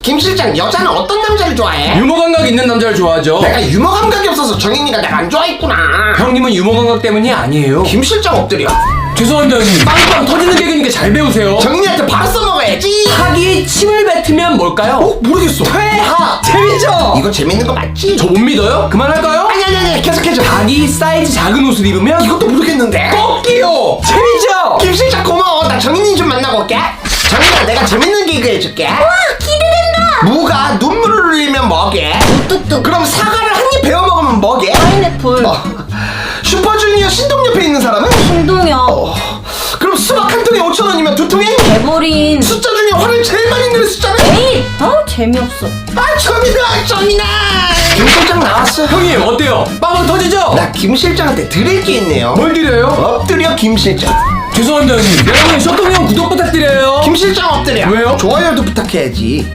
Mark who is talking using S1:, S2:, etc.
S1: 김 실장, 여자는 어떤 남자를 좋아해?
S2: 유머 감각 있는 남자를 좋아하죠.
S1: 내가 유머 감각이 없어서 정인이가 내가 안 좋아했구나.
S2: 형님은 유머 감각 때문이 아니에요.
S1: 김 실장 엎드려.
S2: 죄송합니다 형님. 빵빵 터지는 개그니까 잘 배우세요.
S1: 정인이한테 바로 써먹어야지.
S2: 학이 침을 뱉으면 뭘까요?
S1: 모르겠어.
S2: 퇴하. 재밌죠?
S1: 이거 재밌는 거 맞지?
S2: 저 못 믿어요? 그만할까요?
S1: 아니 계속해줘.
S2: 닭이 사이즈 작은 옷을 입으면
S1: 이것도 모르겠는데.
S2: 꺾기요. 재밌죠?
S1: 김 실장 고마워. 나 정인이 좀 만나고 올게. 정인아, 내가 재밌는 개그 해줄게.
S3: 와, 기대된다.
S1: 무가 눈물을 흘리면 뭐게?
S3: 뚝뚝.
S1: 그럼 사과를 한 입 베어 먹으면 뭐게?
S3: 파인애플.
S1: 슈퍼주니어 신동 옆에 있는 사람은?
S3: 신동엽.
S1: 그럼 수박 한 통에 5,000원이면 두 통에?
S3: 대보린.
S1: 숫자 중에 화를 제일 많이 내는 숫자는?
S3: 에잇. 재미없어.
S1: 정인아. 김 실장 나왔어.
S2: 형님 어때요? 빵빵 터지죠?
S1: 나 김 실장한테 드릴 게 있네요.
S2: 뭘 드려요?
S1: 엎드려 김 실장.
S2: 죄송합니다 형님. 여러분 쇼통형 구독 부탁드려요.
S1: 김 실장 엎드려.
S2: 왜요?
S1: 좋아요도 부탁해야지.